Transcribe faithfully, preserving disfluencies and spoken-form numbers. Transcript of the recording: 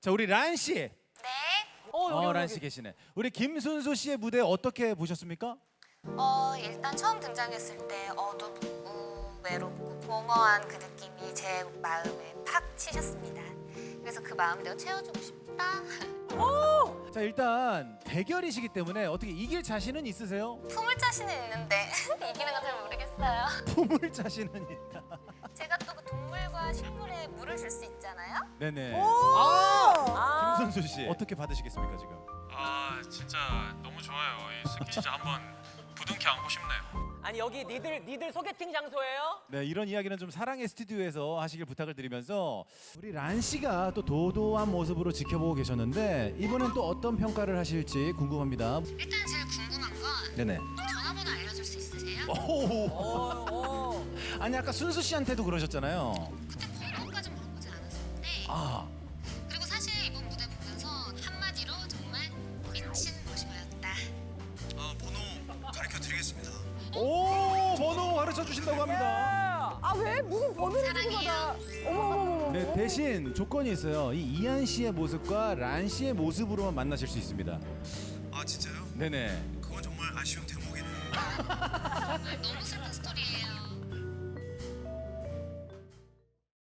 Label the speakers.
Speaker 1: 자, 우리 란 씨.
Speaker 2: 네.
Speaker 3: 어, 여기,
Speaker 1: 어,
Speaker 3: 여기,
Speaker 1: 란
Speaker 3: 여기.
Speaker 1: 씨 계시네. 우리 김순수 씨의 무대 어떻게 보셨습니까?
Speaker 2: 어 일단 처음 등장했을 때 어둡고 외롭고 공허한 그 느낌이 제 마음에 팍 치셨습니다. 그래서 그 마음을 내가 채워주고 싶다.
Speaker 1: 자, 일단 대결이시기 때문에 어떻게 이길 자신은 있으세요?
Speaker 2: 품을 자신은 있는데 이기는 건 잘 모르겠어요.
Speaker 1: 품을 자신은 있다.
Speaker 2: 제가 또 그 동물과 식물에 물을 줄 수 있잖아요.
Speaker 1: 네네.
Speaker 3: 아,
Speaker 1: 김순수 씨 어떻게 받으시겠습니까 지금?
Speaker 4: 아 진짜 너무 좋아요. 이 스키즈 한번 부둥켜 안고 싶네요.
Speaker 3: 아니 여기 니들 니들 소개팅 장소예요?
Speaker 1: 네, 이런 이야기는 좀 사랑의 스튜디오에서 하시길 부탁을 드리면서 우리 란 씨가 또 도도한 모습으로 지켜보고 계셨는데 이번엔 또 어떤 평가를 하실지 궁금합니다.
Speaker 2: 일단 제일 궁금한 건
Speaker 1: 네네.
Speaker 2: 전화번호 알려줄 수 있으세요?
Speaker 1: 오.
Speaker 3: 어, 어.
Speaker 1: 아니 아까 순수 씨한테도 그러셨잖아요.
Speaker 2: 그때 번호까지 물어보지 않았었는데
Speaker 1: 아.
Speaker 2: 그리고 사실 이번 무대 보면서 한마디로 정말 미친 모습이었다.
Speaker 5: 아, 번호 가르쳐 드리겠습니다.
Speaker 1: 오, 번호 가르쳐 주신다고 합니다.
Speaker 6: 아 왜 무슨 번호를 주고받아? 어머 어머 어머.
Speaker 1: 네, 대신 조건이 있어요. 이 이한 씨의 모습과 란 씨의 모습으로만 만나실 수 있습니다.
Speaker 5: 아, 진짜요?
Speaker 1: 네네.
Speaker 5: 그건 정말 아쉬운 대목이네요.
Speaker 2: 정말 너무 슬픈 스토리예요.